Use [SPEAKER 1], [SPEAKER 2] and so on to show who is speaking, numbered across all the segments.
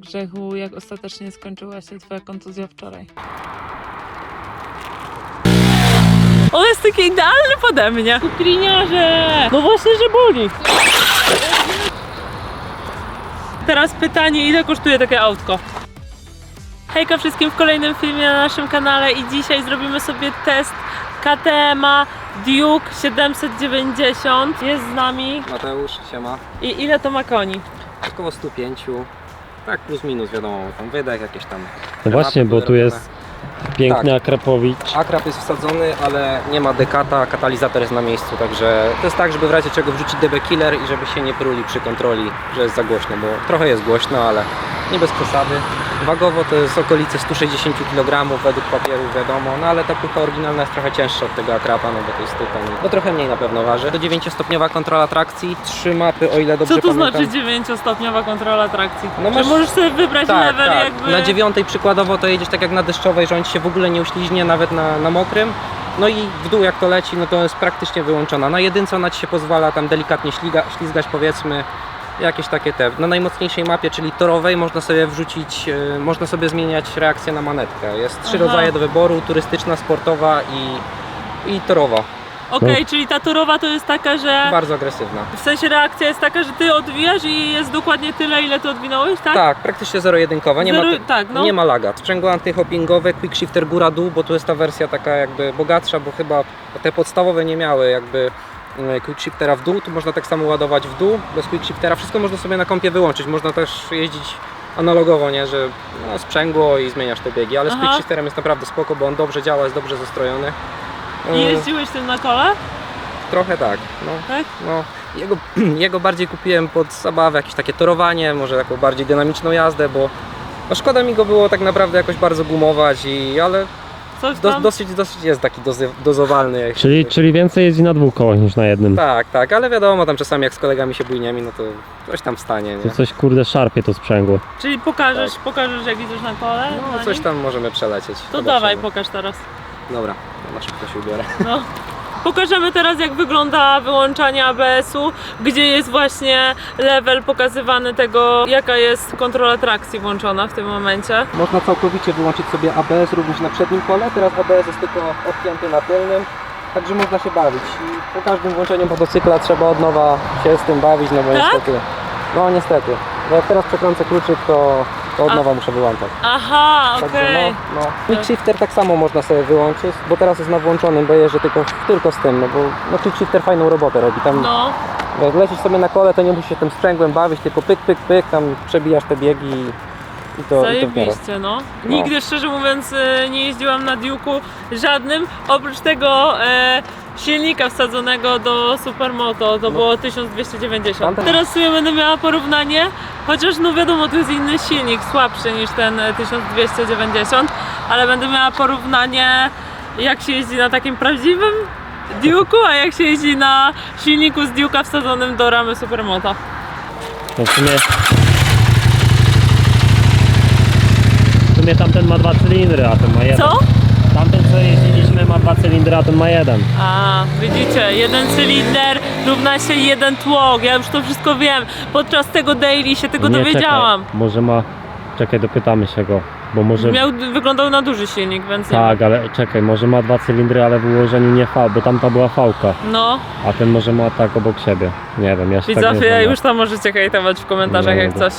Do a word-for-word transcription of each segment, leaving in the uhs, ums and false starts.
[SPEAKER 1] Grzechu, jak ostatecznie skończyła się twoja kontuzja wczoraj? On jest taki idealny pode mnie. Kukliniarze! No właśnie, że boli. Teraz pytanie, ile kosztuje takie autko? Hejka wszystkim w kolejnym filmie na naszym kanale i dzisiaj zrobimy sobie test K T M a Duke siedemset dziewięćdziesiąt. Jest z nami.
[SPEAKER 2] Mateusz, siema.
[SPEAKER 1] I ile to ma koni?
[SPEAKER 2] Około sto pięć. Tak plus minus, wiadomo, tam wydech jakieś tam.
[SPEAKER 3] No właśnie, bo tu jest piękny
[SPEAKER 2] Tak.
[SPEAKER 3] Akrapowicz.
[SPEAKER 2] Akrap jest wsadzony, ale nie ma dekata, katalizator jest na miejscu, także to jest tak, żeby w razie czego wrzucić D B killer i żeby się nie pruli przy kontroli, że jest za głośno, bo trochę jest głośno, ale nie bez przesady. Wagowo to jest okolice sto sześćdziesiąt kilogramów według papierów, wiadomo, no ale ta pucha oryginalna jest trochę cięższa od tego Akrapa, no bo to jest tytan, no trochę mniej na pewno waży. To dziewięciostopniowa kontrola trakcji, trzy mapy, o ile dobrze
[SPEAKER 1] Co to
[SPEAKER 2] pamiętam.
[SPEAKER 1] znaczy dziewięciostopniowa kontrola trakcji?
[SPEAKER 2] No
[SPEAKER 1] Czy
[SPEAKER 2] masz-
[SPEAKER 1] możesz sobie wybrać
[SPEAKER 2] Tak,
[SPEAKER 1] level
[SPEAKER 2] tak.
[SPEAKER 1] jakby...
[SPEAKER 2] Na dziewiątej przykładowo to jedziesz tak jak na deszczowej, że on ci się w ogóle nie uśliźnie nawet na, na mokrym. No i w dół jak to leci, no to jest praktycznie wyłączona. Na jedynce ona ci się pozwala tam delikatnie śliga, ślizgać, powiedzmy, jakieś takie te. Na najmocniejszej mapie, czyli torowej, można sobie wrzucić, yy, można sobie zmieniać reakcję na manetkę. Jest trzy
[SPEAKER 1] Aha.
[SPEAKER 2] rodzaje do wyboru, turystyczna, sportowa i, i torowa.
[SPEAKER 1] Okej,
[SPEAKER 3] No.
[SPEAKER 1] czyli ta torowa to jest taka, że...
[SPEAKER 2] Bardzo agresywna.
[SPEAKER 1] W sensie reakcja jest taka, że ty odwijasz i jest dokładnie tyle, ile ty odwinąłeś, tak?
[SPEAKER 2] Tak, praktycznie zero-jedynkowa, nie,
[SPEAKER 1] Zero-
[SPEAKER 2] ma,
[SPEAKER 1] tak, no.
[SPEAKER 2] nie ma laga. Sprzęgło antyhoppingowe, quick shifter góra-dół, bo tu jest ta wersja taka jakby bogatsza, bo chyba te podstawowe nie miały jakby e, quick shiftera w dół, tu można tak samo ładować w dół, bez quick shiftera, wszystko można sobie na kompie wyłączyć, można też jeździć analogowo, nie, że no, sprzęgło i zmieniasz te biegi, ale z
[SPEAKER 1] Aha.
[SPEAKER 2] quick shifterem jest naprawdę spoko, bo on dobrze działa, jest dobrze zestrojony. E,
[SPEAKER 1] I jeździłeś tym na kole,
[SPEAKER 2] Trochę tak, no.
[SPEAKER 1] tak?
[SPEAKER 2] No, jego, jego bardziej kupiłem pod zabawę, jakieś takie torowanie, może taką bardziej dynamiczną jazdę, bo no szkoda mi go było tak naprawdę jakoś bardzo gumować, i, ale
[SPEAKER 1] Coś
[SPEAKER 2] do,
[SPEAKER 1] tam?
[SPEAKER 2] dosyć, dosyć jest taki dozy, dozowalny. Jak
[SPEAKER 3] Czyli,
[SPEAKER 2] się,
[SPEAKER 3] czyli więcej jeździ na dwóch kołach niż na jednym.
[SPEAKER 2] Tak, tak, ale wiadomo, tam czasami jak z kolegami się bujniemy, no to coś tam wstanie,
[SPEAKER 3] Tu
[SPEAKER 2] nie?
[SPEAKER 3] coś kurde szarpie to sprzęgło.
[SPEAKER 1] Czyli pokażesz, pokażesz jak idziesz na kole?
[SPEAKER 2] No
[SPEAKER 1] na
[SPEAKER 2] coś
[SPEAKER 1] nim?
[SPEAKER 2] tam możemy przelecieć.
[SPEAKER 1] To
[SPEAKER 2] Zobaczymy.
[SPEAKER 1] dawaj, pokaż teraz.
[SPEAKER 2] Dobra, to na szybko się ubiorę.
[SPEAKER 1] No. Pokażemy teraz jak wygląda wyłączanie A B S u, gdzie jest właśnie level pokazywany tego, jaka jest kontrola trakcji włączona w tym momencie.
[SPEAKER 2] Można całkowicie wyłączyć sobie A B S również na przednim kole, teraz A B S jest tylko odpięty na tylnym, także można się bawić. I po każdym włączeniu motocykla trzeba od nowa się z tym bawić, no bo
[SPEAKER 1] Tak?
[SPEAKER 2] niestety, no niestety, bo jak teraz przekręcę kluczyk, to, to od
[SPEAKER 1] A-
[SPEAKER 2] nowa muszę wyłączać.
[SPEAKER 1] Aha,
[SPEAKER 2] Także
[SPEAKER 1] okej.
[SPEAKER 2] no, no. Quick shifter tak samo można sobie wyłączyć, bo teraz jest na włączonym, bo jeżdżę tylko, tylko z tym, no bo no, quick shifter fajną robotę robi. Tam
[SPEAKER 1] No,
[SPEAKER 2] jak lecisz sobie na kole, to nie musisz się tym sprzęgłem bawić, tylko pyk, pyk, pyk, tam przebijasz te biegi i, i to, i to w miarę.
[SPEAKER 1] zajebiście, no. Nigdy szczerze mówiąc e, nie jeździłam na Duke'u żadnym, oprócz tego e, silnika wsadzonego do Supermoto, to było tysiąc dwieście dziewięćdziesiąt.
[SPEAKER 2] Tamten-
[SPEAKER 1] Teraz sobie będę miała porównanie, chociaż no wiadomo, tu jest inny silnik, słabszy niż ten e, tysiąc dwieście dziewięćdziesiąt, ale będę miała porównanie, jak się jeździ na takim prawdziwym Duke'u, a jak się jeździ na silniku z Duke'a wsadzonym do ramy Supermoto.
[SPEAKER 3] No w sumie... W sumie tamten ma dwa cylindry, a ten ma jeden.
[SPEAKER 1] Co?
[SPEAKER 3] Tamten co jeździliśmy ma dwa cylindry, a ten ma jeden.
[SPEAKER 1] A, widzicie, jeden cylinder równa się jeden tłok, ja już to wszystko wiem. Podczas tego daily się tego
[SPEAKER 3] Nie,
[SPEAKER 1] dowiedziałam.
[SPEAKER 3] Czekaj, może ma... Czekaj, dopytamy się go, bo może...
[SPEAKER 1] Miał, wyglądał na duży silnik, więc nie
[SPEAKER 3] Tak, ale czekaj, może ma dwa cylindry, ale w ułożeniu nie V, bo tamta była V-ka,
[SPEAKER 1] wiem. No,
[SPEAKER 3] a ten może ma tak obok siebie. Nie wiem, ja się tak nie
[SPEAKER 1] widzowie,
[SPEAKER 3] znam.
[SPEAKER 1] już tam możecie hejtować w komentarzach
[SPEAKER 3] Nie,
[SPEAKER 1] jak
[SPEAKER 3] nie.
[SPEAKER 1] coś.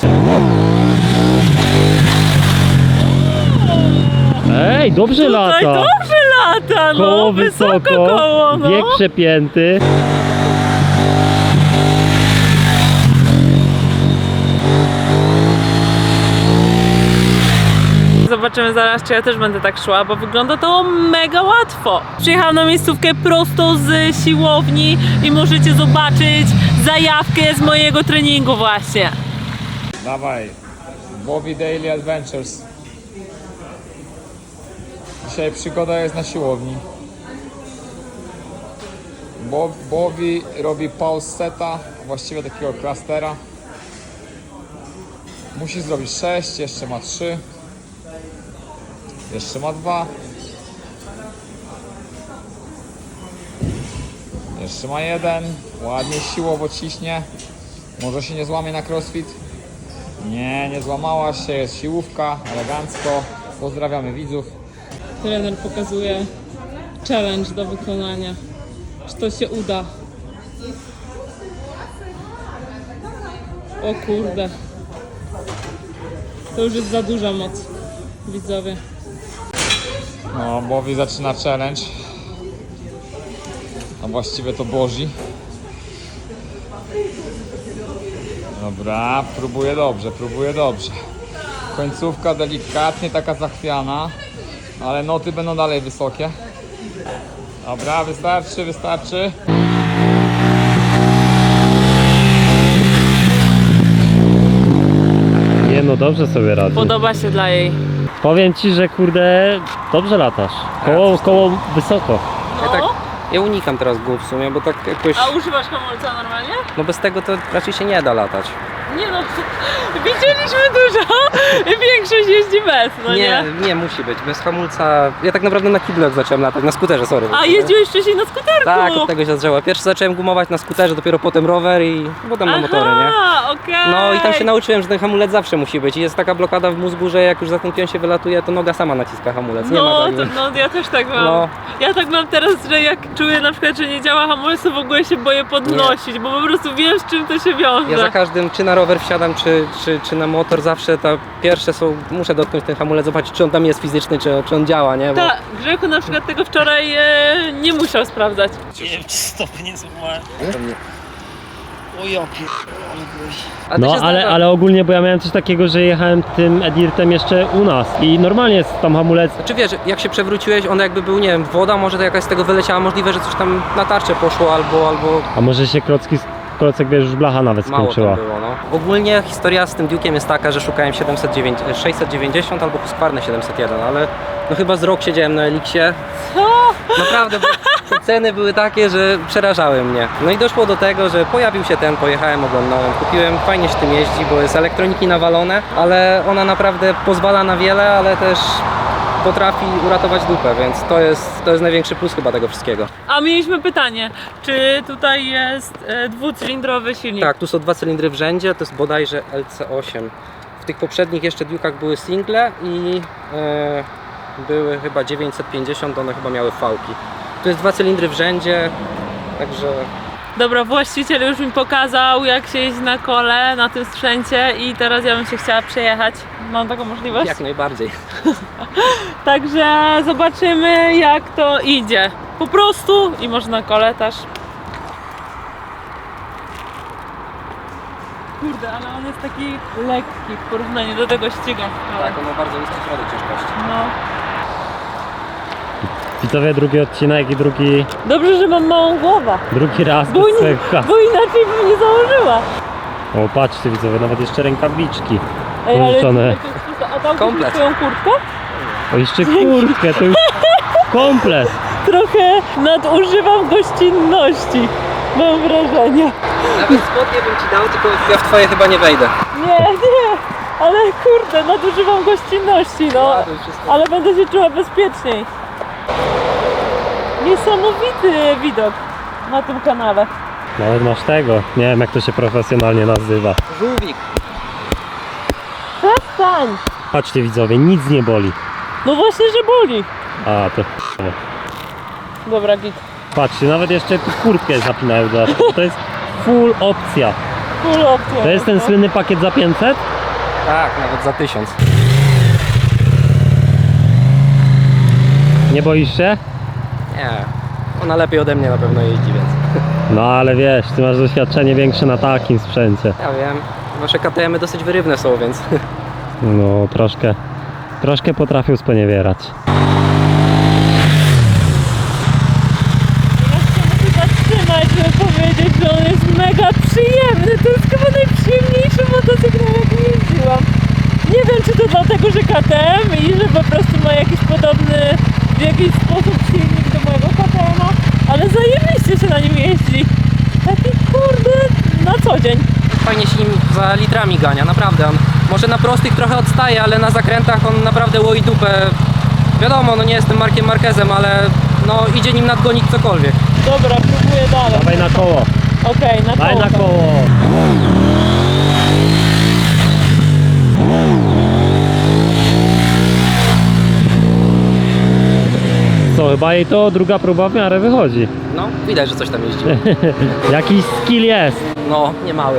[SPEAKER 3] Ej, dobrze
[SPEAKER 1] Tutaj
[SPEAKER 3] lata!
[SPEAKER 1] dobrze lata, no,
[SPEAKER 3] Koło
[SPEAKER 1] wysoko
[SPEAKER 3] wysoko,
[SPEAKER 1] koło, no.
[SPEAKER 3] bieg przepięty.
[SPEAKER 1] Zobaczymy zaraz, czy ja też będę tak szła, bo wygląda to mega łatwo. Przyjechałam na miejscówkę prosto z siłowni i możecie zobaczyć zajawkę z mojego treningu właśnie.
[SPEAKER 4] Dawaj, Bobby Daily Adventures. Dzisiaj przygoda jest na siłowni. Bob, Bobby robi pause seta, właściwie takiego clustera. Musi zrobić sześć, jeszcze ma trzy. Jeszcze ma dwa. Jeszcze ma jeden. Ładnie siłowo ciśnie. Może się nie złamie na crossfit. Nie, nie złamała się, jest siłówka, elegancko. Pozdrawiamy widzów.
[SPEAKER 1] Trener pokazuje challenge do wykonania. Czy to się uda? O kurde. To już jest za duża moc, widzowie.
[SPEAKER 4] No, Bobby zaczyna challenge. A właściwie to Boży. Dobra, próbuje dobrze, próbuje dobrze. Końcówka delikatnie taka zachwiana, ale noty będą dalej wysokie. Dobra, wystarczy, wystarczy.
[SPEAKER 3] Nie no, dobrze sobie radzi.
[SPEAKER 1] Podoba się dla jej.
[SPEAKER 3] Powiem ci, że kurde, dobrze latasz. Koło, koło wysoko.
[SPEAKER 2] Ja tak, ja unikam teraz gór w sumie, bo tak jakoś,
[SPEAKER 1] A używasz hamulca normalnie?
[SPEAKER 2] no bez tego to raczej się nie da latać.
[SPEAKER 1] Nie no, widzieliśmy dużo. Większość jeździ bez, no nie?
[SPEAKER 2] Nie, nie musi być, bez hamulca. Ja tak naprawdę na kiblu jak zacząłem latać, na skuterze, sorry.
[SPEAKER 1] A jeździłeś wcześniej na skuterku?
[SPEAKER 2] Tak, od tego się zaczęło. Pierwszy zacząłem gumować na skuterze, dopiero potem rower i potem na motory, nie?
[SPEAKER 1] Aha, okej.
[SPEAKER 2] No i tam się nauczyłem, że ten hamulec zawsze musi być i jest taka blokada w mózgu, że jak już za ten pion się wylatuje, to noga sama naciska hamulec, nie ma
[SPEAKER 1] No,
[SPEAKER 2] tak,
[SPEAKER 1] to,
[SPEAKER 2] że-
[SPEAKER 1] no ja też tak mam.
[SPEAKER 2] No.
[SPEAKER 1] Ja tak mam teraz, że jak czuję na przykład, że nie działa hamulec, to w ogóle się boję podnosić, bo po prostu wiem, z czym to się wiąże.
[SPEAKER 2] Ja za każdym, czy na rower wsiadam, czy, czy, czy na motor, zawsze ta pierwsze są, muszę dotknąć ten hamulec, zobaczyć, czy on tam jest fizyczny, czy, czy on działa, nie? Bo
[SPEAKER 1] Tak, Grzechu na przykład tego wczoraj e, nie musiał sprawdzać.
[SPEAKER 3] Nie wiem, czy stopy nie złamałem. O ja
[SPEAKER 2] A to
[SPEAKER 3] No,
[SPEAKER 2] się
[SPEAKER 3] ale,
[SPEAKER 2] zdarza.
[SPEAKER 3] ale ogólnie, bo ja miałem coś takiego, że jechałem tym Edirtem jeszcze u nas i normalnie jest tam hamulec.
[SPEAKER 2] Czy wiesz, jak się przewróciłeś, on jakby był, nie wiem, woda, może to jakaś z tego wyleciała, możliwe, że coś tam na tarczę poszło, albo, albo
[SPEAKER 3] A może się klocki, klocek, wiesz, już blacha nawet
[SPEAKER 2] mało
[SPEAKER 3] skończyła.
[SPEAKER 2] tam było, no. Ogólnie historia z tym Duke'iem jest taka, że szukałem siedemset dziewięćdziesiąt, sześćset dziewięćdziesiąt albo Husqvarna siedemset jeden, ale no chyba z rok siedziałem na Elixie.
[SPEAKER 1] Co?
[SPEAKER 2] Naprawdę, bo te ceny były takie, że przerażały mnie. No i doszło do tego, że pojawił się ten, pojechałem, oglądałem, kupiłem, fajnie się tym jeździ, bo jest elektroniki nawalone, ale ona naprawdę pozwala na wiele, ale też potrafi uratować dupę, więc to jest, to jest największy plus chyba tego wszystkiego.
[SPEAKER 1] A mieliśmy pytanie, czy tutaj jest e, dwucylindrowy silnik?
[SPEAKER 2] Tak, tu są dwa cylindry w rzędzie, to jest bodajże L C osiem. W tych poprzednich jeszcze Duke'ach były single i e, były chyba dziewięćset pięćdziesiąt, one chyba miały fałki. Tu jest dwa cylindry w rzędzie, także
[SPEAKER 1] Dobra, właściciel już mi pokazał, jak się jeździ na kole, na tym sprzęcie i teraz ja bym się chciała przejechać. Mam taką możliwość?
[SPEAKER 2] jak najbardziej.
[SPEAKER 1] Także zobaczymy, jak to idzie. Po prostu i może na kole też. Kurde, ale on jest taki lekki w porównaniu do tego ściga w kole.
[SPEAKER 2] Tak, on ma bardzo niski środek ciężkości.
[SPEAKER 1] No.
[SPEAKER 3] Widzowie, drugi odcinek i drugi,
[SPEAKER 1] Dobrze, że mam małą głowę,
[SPEAKER 3] drugi raz
[SPEAKER 1] bo,
[SPEAKER 3] bez
[SPEAKER 1] nie,
[SPEAKER 3] swojego kask.
[SPEAKER 1] bo inaczej bym nie założyła.
[SPEAKER 3] O, patrzcie widzowie, nawet jeszcze rękawiczki
[SPEAKER 1] Ej, ale
[SPEAKER 3] pożyczone.
[SPEAKER 1] a dałbyś mi
[SPEAKER 2] Komplet.
[SPEAKER 1] swoją kurtkę?
[SPEAKER 3] O, jeszcze kurtkę, to już komplet.
[SPEAKER 1] Trochę nadużywam gościnności, mam wrażenie.
[SPEAKER 2] Nawet spodnie bym ci dał, tylko ja w twoje chyba nie wejdę.
[SPEAKER 1] Nie, nie, ale kurde, nadużywam gościnności, no.
[SPEAKER 2] Ładuj wszystko.
[SPEAKER 1] Ale będę się czuła bezpieczniej. Niesamowity widok na tym kanale.
[SPEAKER 3] Nawet masz tego, nie wiem jak to się profesjonalnie nazywa.
[SPEAKER 2] Żółwik.
[SPEAKER 1] Przestań!
[SPEAKER 3] Patrzcie widzowie, nic nie boli.
[SPEAKER 1] No właśnie, że boli.
[SPEAKER 3] A, to
[SPEAKER 1] Dobra, git.
[SPEAKER 3] patrzcie, nawet jeszcze kurtkę zapinają dodatkowo. To jest full opcja.
[SPEAKER 1] Full opcja.
[SPEAKER 3] To jest ten słynny pakiet za pięćset?
[SPEAKER 2] Tak, nawet za tysiąc.
[SPEAKER 3] Nie boisz się?
[SPEAKER 2] Nie, ona lepiej ode mnie na pewno jeździ, więc
[SPEAKER 3] No ale wiesz, ty masz doświadczenie większe na takim sprzęcie.
[SPEAKER 2] ja wiem. Wasze K T M-y dosyć wyrywne są, więc
[SPEAKER 3] No troszkę, troszkę potrafią sponiewierać.
[SPEAKER 1] Ja się muszę zatrzymać, żeby powiedzieć, że on jest mega przyjemny. To jest chyba najprzyjemniejszy motocykl, na jakim jeździłam. Nie wiem, czy to dlatego, że K T M i że po prostu ma jakiś podobny w jakiś sposób silnik do mojego K T M-a, ale zajebiście się na nim jeździ. Taki kurde na co dzień.
[SPEAKER 2] fajnie się nim za litrami gania, naprawdę. On może na prostych trochę odstaje, ale na zakrętach on naprawdę łoi dupę. Wiadomo, no nie jestem Markiem Marquezem, ale no idzie nim nadgonić cokolwiek.
[SPEAKER 1] Dobra, próbuję dalej.
[SPEAKER 3] Dawaj na koło,
[SPEAKER 1] Okej, na
[SPEAKER 3] daj
[SPEAKER 1] koło.
[SPEAKER 3] na koło. chyba jej to druga próba w miarę wychodzi.
[SPEAKER 2] No, widać, że coś tam jeździ.
[SPEAKER 3] Jakiś skill jest.
[SPEAKER 2] No, nie mały.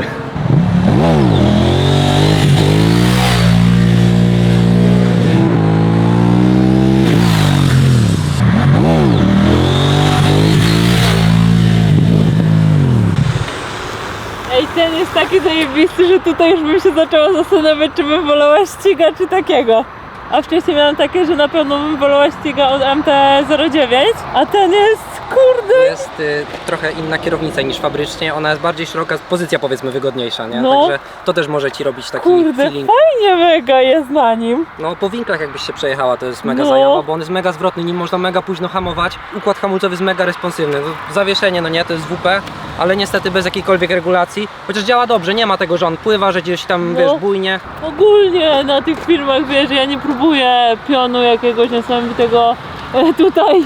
[SPEAKER 1] Ej, ten jest taki zajebisty, że tutaj już bym się zaczęła zastanawiać, czy bym wolała ściga, czy takiego. A wcześniej miałam takie, że na pewno bym wolała ściga od M T zero dziewięć, a ten jest, kurde...
[SPEAKER 2] To jest y, trochę inna kierownica niż fabrycznie, ona jest bardziej szeroka, pozycja powiedzmy wygodniejsza, nie?
[SPEAKER 1] No.
[SPEAKER 2] Także to też może Ci robić taki
[SPEAKER 1] Kurde,
[SPEAKER 2] feeling.
[SPEAKER 1] fajnie mega jest na nim.
[SPEAKER 2] No po winklach jakbyś się przejechała, to jest mega
[SPEAKER 1] No.
[SPEAKER 2] zajawa, bo on jest mega zwrotny, nim można mega późno hamować. Układ hamulcowy jest mega responsywny. No, zawieszenie, no nie, to jest W P, ale niestety bez jakiejkolwiek regulacji. Chociaż działa dobrze, nie ma tego, że on pływa, że gdzieś tam,
[SPEAKER 1] No.
[SPEAKER 2] wiesz, bujnie.
[SPEAKER 1] Ogólnie na tych filmach, wiesz, ja nie próbuję pionu jakiegoś niesamowitego e, tutaj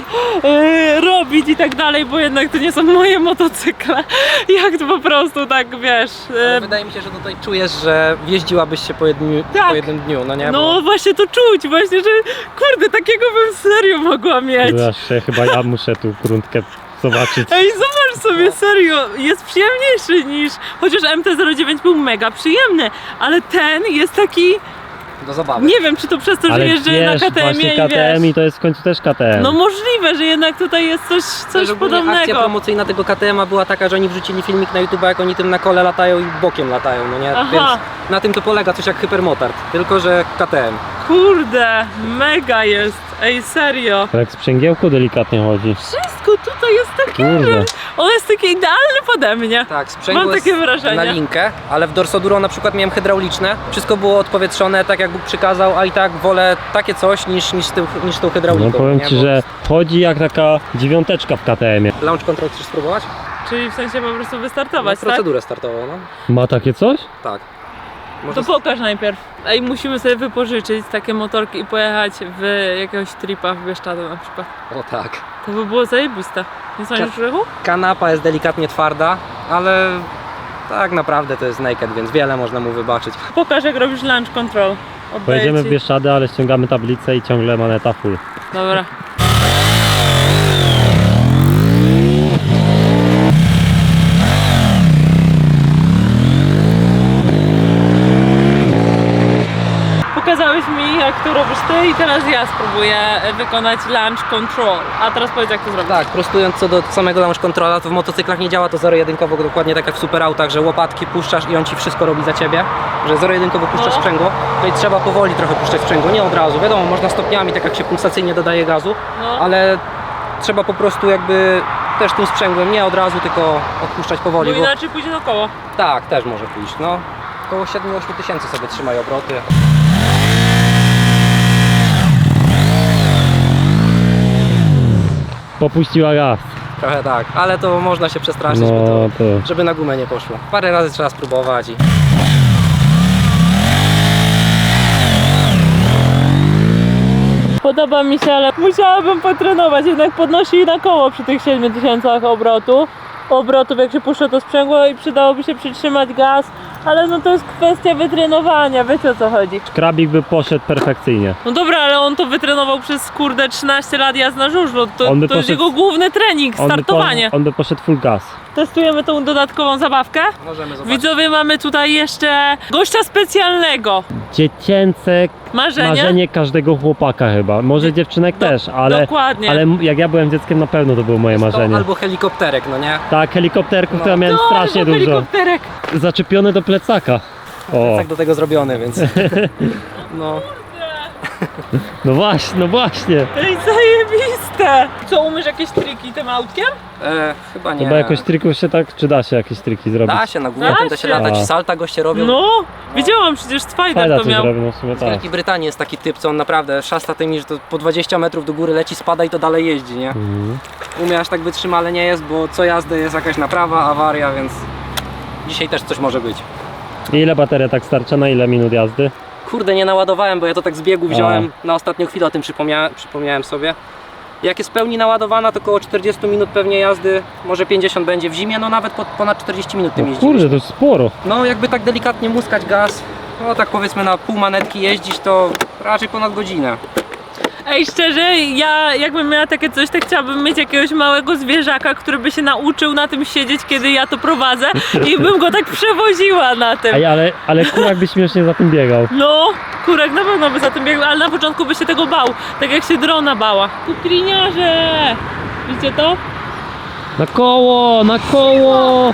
[SPEAKER 1] e, robić i tak dalej, bo jednak to nie są moje motocykle. Jak to po prostu tak, wiesz...
[SPEAKER 2] Ale
[SPEAKER 1] E,
[SPEAKER 2] wydaje mi się, że tutaj czujesz, że jeździłabyś się po jednym,
[SPEAKER 1] Tak.
[SPEAKER 2] po jednym dniu, no nie?
[SPEAKER 1] no właśnie to czuć, właśnie, że kurde, takiego bym serio mogła mieć.
[SPEAKER 3] Zawsze chyba ja muszę tu gruntkę zobaczyć.
[SPEAKER 1] Ej, zobacz sobie, serio, jest przyjemniejszy niż... Chociaż M T zero dziewięć był mega przyjemny, ale ten jest taki...
[SPEAKER 2] Bo do zabawy.
[SPEAKER 1] Nie wiem, czy to przez to, że
[SPEAKER 3] Ale
[SPEAKER 1] jeżdżę
[SPEAKER 3] wiesz,
[SPEAKER 1] na K T M
[SPEAKER 3] właśnie
[SPEAKER 1] i
[SPEAKER 3] K T M
[SPEAKER 1] wiesz...
[SPEAKER 3] i to jest w końcu też K T M.
[SPEAKER 1] No możliwe, że jednak tutaj jest coś, coś
[SPEAKER 2] Też ogólnie akcja
[SPEAKER 1] podobnego.
[SPEAKER 2] promocyjna tego K T M a była taka, że oni wrzucili filmik na YouTube, jak oni tym na kole latają i bokiem latają, no nie?
[SPEAKER 1] Aha.
[SPEAKER 2] Więc na tym to polega coś jak hypermotard, tylko że K T M.
[SPEAKER 1] Kurde, mega jest. Ej, serio.
[SPEAKER 3] Tak jak sprzęgiełku delikatnie chodzi.
[SPEAKER 1] Wszystko tutaj jest takie,
[SPEAKER 3] Kurde.
[SPEAKER 1] że on jest taki idealny pode mnie.
[SPEAKER 2] Tak, sprzęgło
[SPEAKER 1] Mam
[SPEAKER 2] jest
[SPEAKER 1] takie wrażenie.
[SPEAKER 2] na linkę, ale w Dorsoduro na przykład miałem hydrauliczne. Wszystko było odpowietrzone, tak jak Bóg przykazał, a i tak wolę takie coś niż, niż, tą, niż tą hydrauliką.
[SPEAKER 3] No powiem
[SPEAKER 2] nie?
[SPEAKER 3] ci,
[SPEAKER 2] Bo
[SPEAKER 3] że chodzi jak taka dziewiąteczka w K T M ie.
[SPEAKER 2] Launch control chcesz spróbować?
[SPEAKER 1] Czyli w sensie po prostu
[SPEAKER 2] No,
[SPEAKER 1] wystartować, tak?
[SPEAKER 2] procedurę startową, no.
[SPEAKER 3] Ma takie coś?
[SPEAKER 2] Tak.
[SPEAKER 1] To
[SPEAKER 2] Może
[SPEAKER 1] pokaż najpierw. Ej, musimy sobie wypożyczyć takie motorki i pojechać w jakiegoś tripa w Bieszczady na przykład.
[SPEAKER 2] O tak.
[SPEAKER 1] To by było zajebiste. Nie sądzisz,
[SPEAKER 2] Ka-
[SPEAKER 1] Grzechu?
[SPEAKER 2] Kanapa jest delikatnie twarda, ale tak naprawdę to jest naked, więc wiele można mu wybaczyć.
[SPEAKER 1] Pokaż, jak robisz launch control. Oddaję
[SPEAKER 3] Pojedziemy
[SPEAKER 1] ci.
[SPEAKER 3] w Bieszczady, ale ściągamy tablicę i ciągle maneta full.
[SPEAKER 1] Dobra. Pokazałeś mi, jak to robisz ty i teraz ja spróbuję wykonać launch control. A teraz powiedz, jak to zrobić.
[SPEAKER 2] Tak, prostując co do samego launch controla, to w motocyklach nie działa to zero-jedynkowo, dokładnie tak jak w superautach, że łopatki puszczasz i on ci wszystko robi za ciebie, że zero-jedynkowo puszczasz
[SPEAKER 1] No.
[SPEAKER 2] sprzęgło, to i trzeba powoli trochę puszczać sprzęgło, nie od razu, wiadomo, można stopniami, tak jak się pulsacyjnie dodaje gazu,
[SPEAKER 1] No.
[SPEAKER 2] ale trzeba po prostu jakby też tym sprzęgłem nie od razu, tylko odpuszczać powoli,
[SPEAKER 1] Bo
[SPEAKER 2] bo
[SPEAKER 1] inaczej pójdzie na koło.
[SPEAKER 2] tak, też może pójść, no. Około siedem osiem tysięcy sobie trzymaj obroty.
[SPEAKER 3] Popuściła gaz.
[SPEAKER 2] Trochę tak, ale to można się przestraszyć, bo
[SPEAKER 3] No
[SPEAKER 2] to,
[SPEAKER 3] to...
[SPEAKER 2] żeby na gumę nie poszło. Parę razy trzeba spróbować i...
[SPEAKER 1] Podoba mi się, ale musiałabym potrenować. Jednak podnosi na koło przy tych siedmiu tysiącach obrotu. Obrotów, jak się puszcza to sprzęgło i przydałoby się przytrzymać gaz. Ale no to jest kwestia wytrenowania, wiecie o co chodzi.
[SPEAKER 3] Krabik by poszedł perfekcyjnie.
[SPEAKER 1] No dobra, ale on to wytrenował przez kurde trzynaście lat jazd na żużlu. To,
[SPEAKER 3] On by
[SPEAKER 1] to jest
[SPEAKER 3] poszedł-
[SPEAKER 1] jego główny trening,
[SPEAKER 3] On by,
[SPEAKER 1] startowanie.
[SPEAKER 3] po, on by poszedł full gas.
[SPEAKER 1] Testujemy tą dodatkową zabawkę.
[SPEAKER 2] Możemy zobaczyć.
[SPEAKER 1] Widzowie, mamy tutaj jeszcze gościa specjalnego.
[SPEAKER 3] Dziecięce
[SPEAKER 1] Marzenie?
[SPEAKER 3] marzenie każdego chłopaka chyba. Może dziewczynek
[SPEAKER 1] Do-
[SPEAKER 3] też, ale,
[SPEAKER 1] dokładnie.
[SPEAKER 3] ale jak ja byłem dzieckiem, na pewno to było moje
[SPEAKER 2] To
[SPEAKER 3] marzenie.
[SPEAKER 2] albo helikopterek, no nie?
[SPEAKER 3] Tak, helikopterków
[SPEAKER 2] No.
[SPEAKER 3] to ja miałem
[SPEAKER 1] No,
[SPEAKER 3] strasznie
[SPEAKER 1] albo
[SPEAKER 3] dużo.
[SPEAKER 1] helikopterek.
[SPEAKER 3] Zaczepione do plecaka. O,
[SPEAKER 2] Tak do tego zrobiony, więc... No,
[SPEAKER 3] no właśnie, no właśnie.
[SPEAKER 1] Ej, zajebiste! Co, umiesz jakieś triki tym autkiem?
[SPEAKER 2] e, chyba nie.
[SPEAKER 3] Chyba jakoś trików się tak, czy da się jakieś triki zrobić?
[SPEAKER 2] Da się, na górę
[SPEAKER 1] Da
[SPEAKER 2] tym da się
[SPEAKER 1] się.
[SPEAKER 2] latać,
[SPEAKER 3] A.
[SPEAKER 2] salta goście robią.
[SPEAKER 1] No, widziałam przecież Spider
[SPEAKER 3] Fajna
[SPEAKER 1] to
[SPEAKER 3] coś
[SPEAKER 1] miał.
[SPEAKER 3] zrobił, no w sumie
[SPEAKER 2] W
[SPEAKER 3] tak.
[SPEAKER 2] Wielkiej Brytanii jest taki typ, co on naprawdę szasta tymi, że to po dwadzieścia metrów do góry leci, spada i to dalej jeździ, nie?
[SPEAKER 3] Mhm.
[SPEAKER 2] U mnie aż tak wytrzymale nie jest, bo co jazdę jest jakaś naprawa, awaria, więc dzisiaj też coś może być.
[SPEAKER 3] I ile bateria tak starcza, na ile minut jazdy?
[SPEAKER 2] Kurde, nie naładowałem, bo ja to tak z biegu wziąłem, na ostatnią chwilę o tym przypomniałem, przypomniałem sobie. Jak jest w pełni naładowana, to około czterdzieści minut pewnie jazdy, może pięćdziesiąt będzie w zimie, no nawet po, ponad czterdzieści minut tym
[SPEAKER 3] No
[SPEAKER 2] jeździliśmy.
[SPEAKER 3] kurde, to jest sporo.
[SPEAKER 2] No jakby tak delikatnie muskać gaz, no tak powiedzmy na pół manetki jeździć, to raczej ponad godzinę.
[SPEAKER 1] Ej, szczerze, ja jakbym miała takie coś, to chciałabym mieć jakiegoś małego zwierzaka, który by się nauczył na tym siedzieć, kiedy ja to prowadzę i bym go tak przewoziła na tym.
[SPEAKER 3] Ej, ale, ale kurak by śmiesznie za tym biegał.
[SPEAKER 1] No, kurek na pewno by za tym biegł, ale na początku by się tego bał, tak jak się drona bała. Kukliniarze! Widzicie to?
[SPEAKER 3] Na koło, na koło!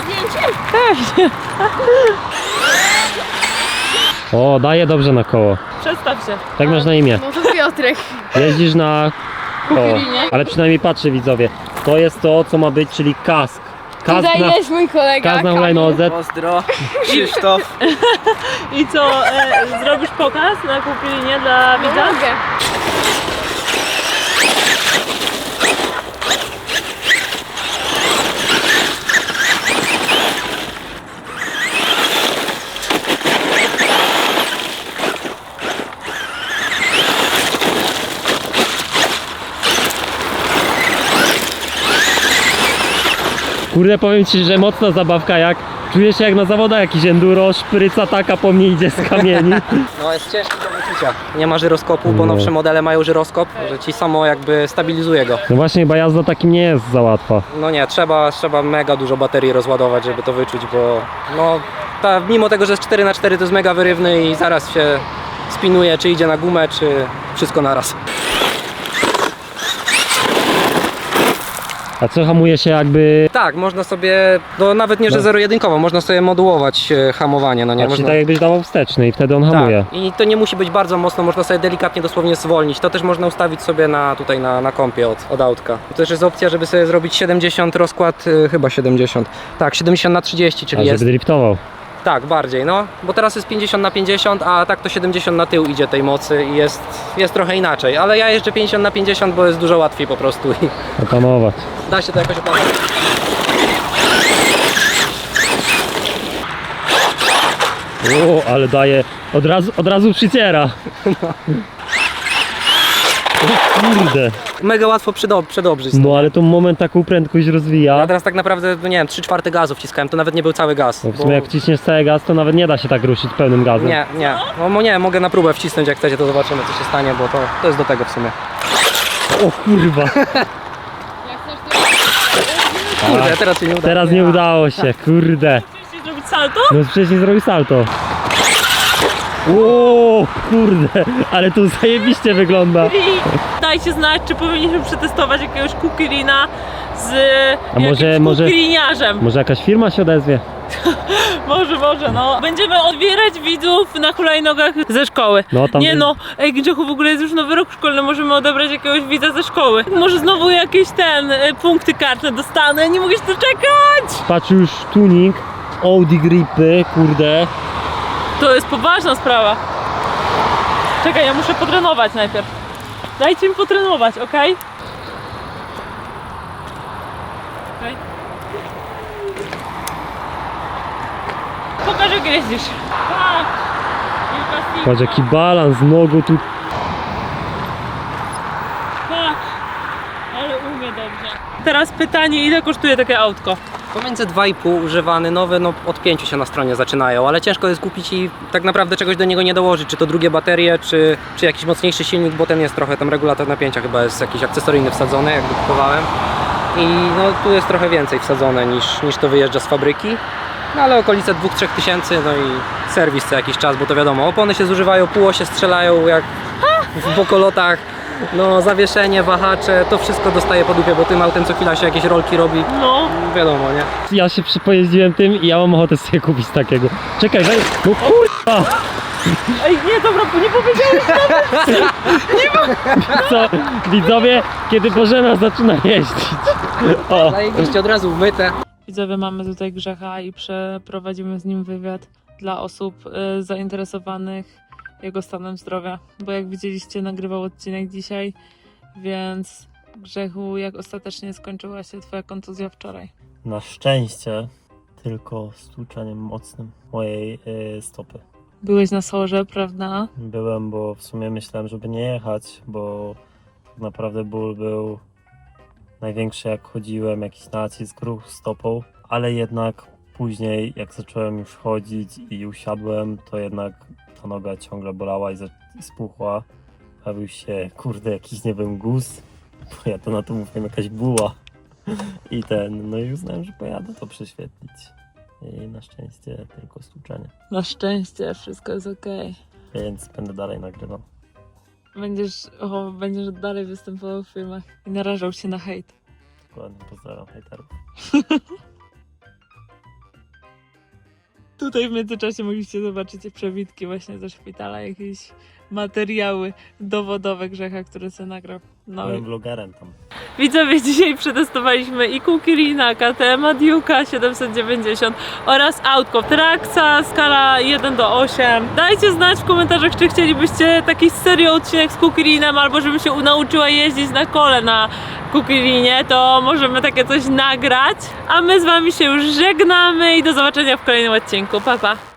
[SPEAKER 3] O, daje dobrze na koło.
[SPEAKER 1] Przestaw się.
[SPEAKER 3] Tak masz na imię.
[SPEAKER 5] No to Piotrek.
[SPEAKER 3] Jeździsz na koło.
[SPEAKER 1] Kukulinie.
[SPEAKER 3] Ale przynajmniej patrzy widzowie. To jest to, co ma być, czyli kask. Kask
[SPEAKER 5] Tutaj
[SPEAKER 3] na,
[SPEAKER 5] jest mój kolega.
[SPEAKER 3] kask na
[SPEAKER 5] Kamil.
[SPEAKER 3] hulajnodze.
[SPEAKER 2] Pozdro, Krzysztof.
[SPEAKER 1] I co, e, zrobisz pokaz na Kukulinie dla
[SPEAKER 5] No
[SPEAKER 1] widza?
[SPEAKER 5] mogę.
[SPEAKER 3] Kurde, powiem ci, że mocna zabawka, jak czujesz się jak na zawodach jakiś enduro, szpryca taka po mnie idzie z kamieni.
[SPEAKER 2] No jest ciężki do wyczucia. Nie ma żyroskopu, bo
[SPEAKER 3] No.
[SPEAKER 2] nowsze modele mają żyroskop, że ci samo jakby stabilizuje go.
[SPEAKER 3] No właśnie, chyba jazda takim nie jest za łatwa.
[SPEAKER 2] No nie, trzeba, trzeba mega dużo baterii rozładować, żeby to wyczuć, bo no ta, mimo tego, że jest cztery na cztery, to jest mega wyrywny i zaraz się spinuje, czy idzie na gumę, czy wszystko naraz.
[SPEAKER 3] A co hamuje się jakby...
[SPEAKER 2] Tak, można sobie, no nawet nie, że
[SPEAKER 3] No.
[SPEAKER 2] zero-jedynkowo, można sobie modułować e, hamowanie, no nie?
[SPEAKER 3] A, czyli
[SPEAKER 2] Można...
[SPEAKER 3] tak jakbyś dawał wsteczny i wtedy on hamuje.
[SPEAKER 2] Tak. I to nie musi być bardzo mocno, można sobie delikatnie dosłownie zwolnić. To też można ustawić sobie na, tutaj na, na kompie od, od autka. I to też jest opcja, żeby sobie zrobić siedemdziesiąt rozkład, y, chyba siedemdziesiąt. Tak, siedemdziesiąt na trzydzieści,
[SPEAKER 3] A
[SPEAKER 2] czyli
[SPEAKER 3] żeby
[SPEAKER 2] jest.
[SPEAKER 3] driftował.
[SPEAKER 2] Tak, bardziej, no. Bo teraz jest pięćdziesiąt na pięćdziesiąt, a tak to siedemdziesiąt na tył idzie tej mocy i jest, jest trochę inaczej. Ale ja jeżdżę pięćdziesiąt na pięćdziesiąt, bo jest dużo łatwiej po prostu i
[SPEAKER 3] Opanować.
[SPEAKER 2] da się to jakoś opanować.
[SPEAKER 3] O, ale daje... Od razu, od razu przyciera. O kurde.
[SPEAKER 2] Mega łatwo przydob przedobrzyć.
[SPEAKER 3] No ale to moment taką prędkość rozwija.
[SPEAKER 2] Ja teraz tak naprawdę, no nie wiem, trzy czwarte gazu wciskałem, to nawet nie był cały gaz.
[SPEAKER 3] No w
[SPEAKER 2] bo-
[SPEAKER 3] sumie jak ciśniesz cały gaz, to nawet nie da się tak ruszyć pełnym gazem.
[SPEAKER 2] Nie, nie. No mo- nie, mogę na próbę wcisnąć, jak chcecie, to zobaczymy, co się stanie, bo to, to jest do tego w sumie.
[SPEAKER 3] O kurwa.
[SPEAKER 2] Kurde, teraz się nie uda.
[SPEAKER 3] Teraz nie udało się, kurde.
[SPEAKER 1] Chcecie zrobić salto?
[SPEAKER 3] No wcześniej zrobił salto. O kurde, ale to zajebiście wygląda.
[SPEAKER 1] I dajcie znać, czy powinniśmy przetestować jakiegoś Kukilina z
[SPEAKER 3] A może-
[SPEAKER 1] jakimś
[SPEAKER 3] może-
[SPEAKER 1] Kukiliniarzem.
[SPEAKER 3] Może jakaś firma się odezwie?
[SPEAKER 1] Może, może, no. Będziemy odbierać widzów na hulajnogach ze szkoły.
[SPEAKER 3] No, tam
[SPEAKER 1] Nie
[SPEAKER 3] by-
[SPEAKER 1] no, ej Grzechu, w ogóle jest już nowy rok szkolny, możemy odebrać jakiegoś widza ze szkoły. Może znowu jakieś ten, y, punkty kartne dostanę, nie mogę się doczekać!
[SPEAKER 3] Patrz już tuning, Audi gripy, kurde.
[SPEAKER 1] To jest poważna sprawa. Czekaj, ja muszę potrenować najpierw. Dajcie mi potrenować, okej? Okej. Pokaż, jak jeździsz. Tak. Wielka
[SPEAKER 3] Patrz
[SPEAKER 1] Sigma.
[SPEAKER 3] jaki balans nogą tu.
[SPEAKER 1] Tak. Ale umie dobrze. Teraz pytanie, ile kosztuje takie autko?
[SPEAKER 2] Pomiędzy dwa i pół używany, nowe, no od pięciu się na stronie zaczynają, ale ciężko jest kupić i tak naprawdę czegoś do niego nie dołożyć, czy to drugie baterie, czy, czy jakiś mocniejszy silnik, bo ten jest trochę, tam regulator napięcia chyba jest jakiś akcesoryjny wsadzony, jak kupowałem. I no tu jest trochę więcej wsadzone niż, niż to wyjeżdża z fabryki. No ale okolice dwóch trzech tysięcy, no i serwis co jakiś czas, bo to wiadomo, opony się zużywają, półosie strzelają jak w bokolotach. No zawieszenie, wahacze, to wszystko dostaje po dupie, bo tym autem co chwila się jakieś rolki robi.
[SPEAKER 1] No.
[SPEAKER 2] Wiadomo, nie?
[SPEAKER 3] Ja się przypojeździłem tym i ja mam ochotę sobie kupić takiego. Czekaj, weź. No kurwa!
[SPEAKER 1] Ej, nie, dobra, bo nie powiedziałeś.
[SPEAKER 3] Co? Widzowie, kiedy Bożena zaczyna jeździć. O,
[SPEAKER 2] Zajebiście od razu umyte.
[SPEAKER 1] Widzowie, mamy tutaj Grzecha i przeprowadzimy z nim wywiad dla osób y, zainteresowanych jego stanem zdrowia, bo jak widzieliście, nagrywał odcinek dzisiaj, więc Grzechu, jak ostatecznie skończyła się twoja kontuzja wczoraj?
[SPEAKER 3] na szczęście tylko stłuczeniem mocnym mojej y, stopy.
[SPEAKER 1] Byłeś na sorze, prawda?
[SPEAKER 3] Byłem, bo w sumie myślałem, żeby nie jechać, bo tak naprawdę ból był największy jak chodziłem, jakiś nacisk, ruch stopą, ale jednak później jak zacząłem już chodzić i usiadłem, to jednak ta noga ciągle bolała i, za- i spuchła bawił się, kurde, jakiś, nie wiem, guz, bo ja to na to mówiłem jakaś buła. I ten, no i uznałem, że pojadę to prześwietlić. I na szczęście tylko stłuczenie.
[SPEAKER 1] Na szczęście wszystko jest okej.
[SPEAKER 3] Więc będę dalej nagrywał.
[SPEAKER 1] Będziesz, o, będziesz dalej występował w filmach i narażał się na hejt.
[SPEAKER 3] Dokładnie, pozdrawiam hejterów.
[SPEAKER 1] Tutaj w międzyczasie mogliście zobaczyć przebitki właśnie ze szpitala, jakieś materiały dowodowe Grzecha, które sobie nagrał. No
[SPEAKER 3] Byłem
[SPEAKER 1] i
[SPEAKER 3] vlogerem tam.
[SPEAKER 1] widzowie, dzisiaj przetestowaliśmy i Kukirina, K T M, Duke'a siedemset dziewięćdziesiąt oraz autko Traxa, skala jeden do ośmiu. Dajcie znać w komentarzach, czy chcielibyście taki serio odcinek z Kukirinem, albo żebym się nauczyła jeździć na kole na Kukirinie, to możemy takie coś nagrać. A my z wami się już żegnamy i do zobaczenia w kolejnym odcinku. Pa, pa!